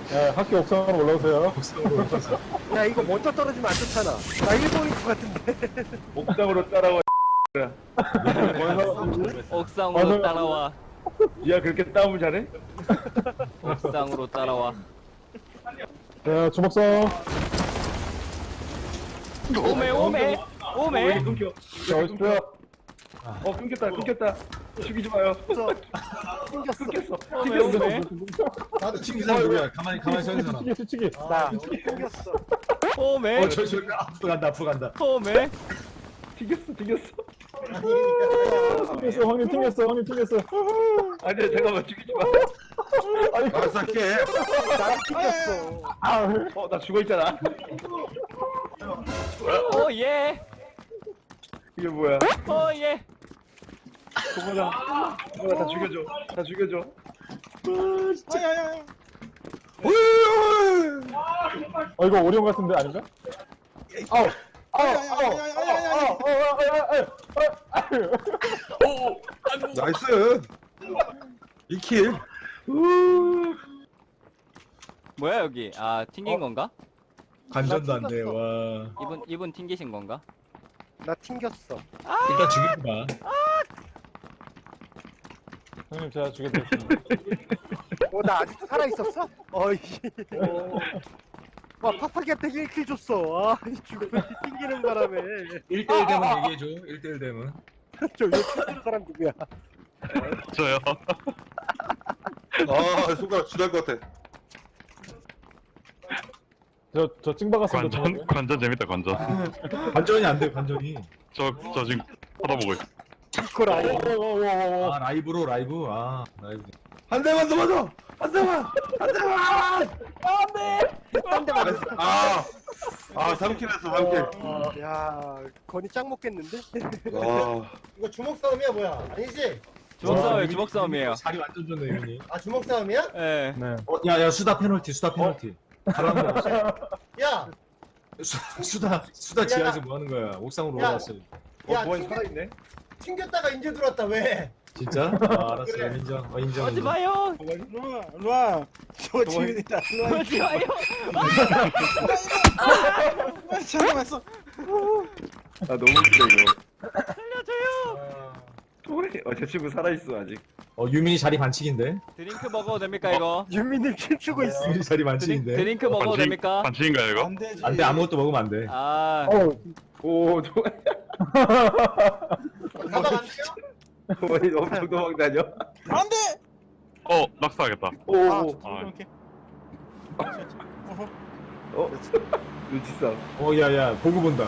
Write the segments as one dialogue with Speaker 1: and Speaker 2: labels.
Speaker 1: 야, 학교 옥상으로 올라오세요.
Speaker 2: 야 이거 먼저 떨어지면 안 좋잖아. 나 1번인 것 같은데.
Speaker 3: 옥상으로 따라와.
Speaker 4: 옥상으로 따라와.
Speaker 3: 야 그렇게 싸움을 잘해?
Speaker 4: 옥상으로 따라와.
Speaker 1: 자, 주먹성.
Speaker 4: 오메 오메
Speaker 3: 왜
Speaker 4: 오메.
Speaker 3: 끊겨?
Speaker 1: 자, 오십시오.
Speaker 3: 끊겼다. 죽이지 마요.
Speaker 2: 튕겼어.
Speaker 3: 끊겼어.
Speaker 4: 오메 오메
Speaker 5: 나도 지금 이 사람 누구야? 가만히 서 있는 사람.
Speaker 1: 수치기.
Speaker 2: 나 튕겼어.
Speaker 4: 오메
Speaker 5: 저 앞으로 간다.
Speaker 4: 오메.
Speaker 3: 튕겼어.
Speaker 1: 튕겼어, 형님 튕겼어.
Speaker 3: 아니 잠깐만 죽이지 마.
Speaker 5: 알았어, 할게.
Speaker 2: 나도 튕겼어.
Speaker 3: 나 죽어 있잖아.
Speaker 4: 오예
Speaker 3: 이게 뭐야?
Speaker 4: 오예.
Speaker 3: 고마다. 다 죽여줘.
Speaker 1: 이거 오리온 같은데 아닌가?
Speaker 5: 나이스. 2킬.
Speaker 4: 뭐야 여기? 아 튕긴 건가?
Speaker 5: 관전도 안 돼. 와.
Speaker 4: 이분 튕기신 건가?
Speaker 2: 나 튕겼어.
Speaker 5: 일단 죽이고 봐.
Speaker 1: 형님, 제가 죽여드렸습니다.
Speaker 2: 나 아직도 살아 있었어? 어이. 와 팍팍이한테 1킬 줬어. 아 죽으면 튕기는 바람에.
Speaker 5: 1대1 되면 얘기해줘. 1대1 되면.
Speaker 2: 저 이거 튕기는 사람 누구야?
Speaker 6: 저요.
Speaker 7: 아, 손가락 쥐날 것 같아.
Speaker 1: 저 찡박았습니다.
Speaker 6: 관전 재밌다, 관전.
Speaker 5: 관전이 안 돼, 관전이.
Speaker 6: 저 지금 쳐다보고 있어.
Speaker 2: 이걸 아예.
Speaker 5: 아, 라이브. 라이브.
Speaker 7: 한 대만 더 맞아! 한 대만!
Speaker 2: 딴데 맞았어.
Speaker 7: 아! 3킬 했어, 3킬.
Speaker 2: 야 건이 짱 먹겠는데?
Speaker 7: 아,
Speaker 8: 이거 주먹 싸움이야 뭐야? 아니지?
Speaker 4: 주먹 싸움이에요.
Speaker 5: 자리 완전 좋네, 유민이.
Speaker 8: 아 주먹 싸움이야?
Speaker 4: 예.
Speaker 1: 네.
Speaker 5: 야, 수다 페널티. 가라앉는 거.
Speaker 8: 야,
Speaker 5: 수다 지하에서 뭐 하는 거야? 옥상으로
Speaker 8: 야.
Speaker 5: 올라왔어.
Speaker 8: 야
Speaker 3: 뭐가 살아있네?
Speaker 8: 튕겼다가 인제 들어왔다 왜?
Speaker 5: 진짜? 알았어.
Speaker 8: 그래.
Speaker 5: 인정.
Speaker 4: 하지 마요.
Speaker 8: 일로와. 저 지민이다.
Speaker 4: 하지 마요.
Speaker 8: 잠깐만 있어.
Speaker 3: 나 너무 웃겨 이거.
Speaker 4: 살려줘요.
Speaker 3: 저 친구 살아있어 아직.
Speaker 5: 유민이 자리 반칙인데?
Speaker 4: 드링크 먹어도 됩니까 이거?
Speaker 2: 윤민님 춤추고 있어.
Speaker 5: 유민이 자리 반칙인데?
Speaker 4: 드링크 먹어도 됩니까?
Speaker 6: 반칙인가요, 이거?
Speaker 8: 안 되지.
Speaker 5: 안 돼, 아무것도 먹으면 안 돼.
Speaker 4: 아
Speaker 3: 오, 좋아.
Speaker 8: 가방 안 껴?
Speaker 3: 어머니 엄청 도망다녀.
Speaker 8: 안 돼.
Speaker 6: 낙사하겠다.
Speaker 3: 오,
Speaker 6: 아,
Speaker 3: 눈치 싸움.
Speaker 5: 야, 보고 본다.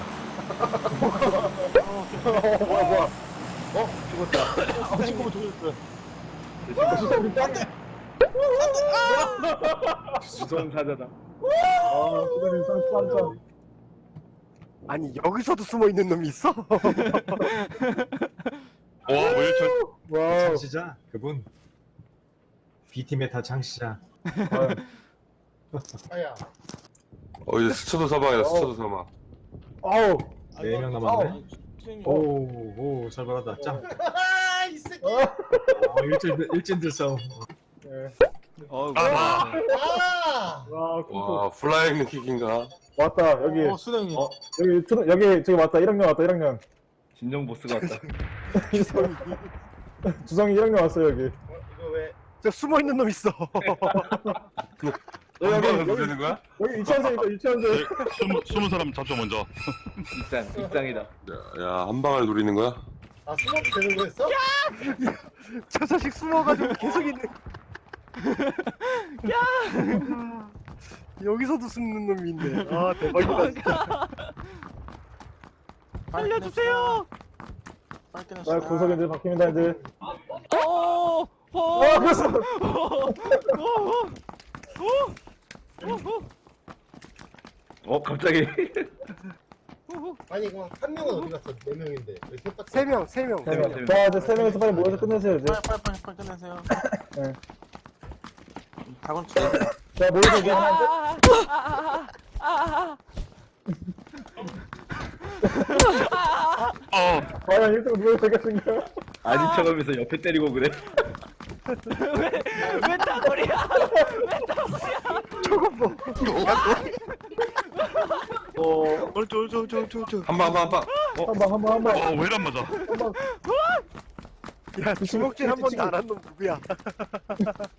Speaker 3: 뭐야. 죽었다.
Speaker 1: 친구분 죽였어요.
Speaker 3: 수성 사자다.
Speaker 1: 수고님 쌈.
Speaker 2: 아니 여기서도 숨어 있는 놈이 있어?
Speaker 6: 왜
Speaker 1: 와우.
Speaker 5: 창시자? 그분. B팀의 다 창시자.
Speaker 8: 아야.
Speaker 7: 이제 스쳐도 사망이다, 스쳐도 사망.
Speaker 1: 아우.
Speaker 5: 4명 남았네. 오, 잘 받았다. 짱.
Speaker 8: 이 새끼.
Speaker 5: 일진들 싸움.
Speaker 4: 어우.
Speaker 6: 아,
Speaker 8: 아.
Speaker 1: 와,
Speaker 7: 와, 플라잉 킥인가?
Speaker 1: 왔다. 여기.
Speaker 8: 수령이.
Speaker 1: 여기 저기 왔다. 1학년 왔다. 1학년.
Speaker 3: 진정 보스 같다.
Speaker 1: 주성이 1학년 왔어요, 여기.
Speaker 8: 이거 왜?
Speaker 2: 저 숨어 있는 놈 있어.
Speaker 7: 한 방에 누르는 거야?
Speaker 1: 여기 유치원생이다. 유치원생.
Speaker 6: 20사람 잡죠, 먼저.
Speaker 3: 입장이다.
Speaker 7: 야, 한 방을 노리는 거야?
Speaker 8: 아 숨어도 되는 거였어?
Speaker 2: 저 자식 숨어가지고 계속 있네. 야. 여기서도 숨는 놈이 있네. 아 대박이다. 진짜.
Speaker 4: 살려주세요.
Speaker 1: 나 구석인들 바뀝니다, 이제.
Speaker 4: 오. 오.
Speaker 1: 그래서.
Speaker 3: 갑자기.
Speaker 8: 아니 그럼 한 명은 어디 갔어? 4명인데 왜 셋밖에?
Speaker 2: 3명, 3명.
Speaker 1: 자, 이제 3명에서 빨리 모여서 끝내세요, 이제.
Speaker 8: 빨리 끝내세요.
Speaker 1: 네.
Speaker 8: 다곤
Speaker 1: 자, 모여서 이제 하는데. 과연 1등 누가 되겠습니까?
Speaker 3: 아닌 척하면서 옆에 때리고 그래.
Speaker 4: 왜 따거리야? 왜 따거리야?
Speaker 2: 저건 뭐
Speaker 7: 한 방, 한 방.
Speaker 1: 한 방.
Speaker 6: 왜 이란 맞아?
Speaker 2: 야 주먹질 한 번도 안 한 놈 누구야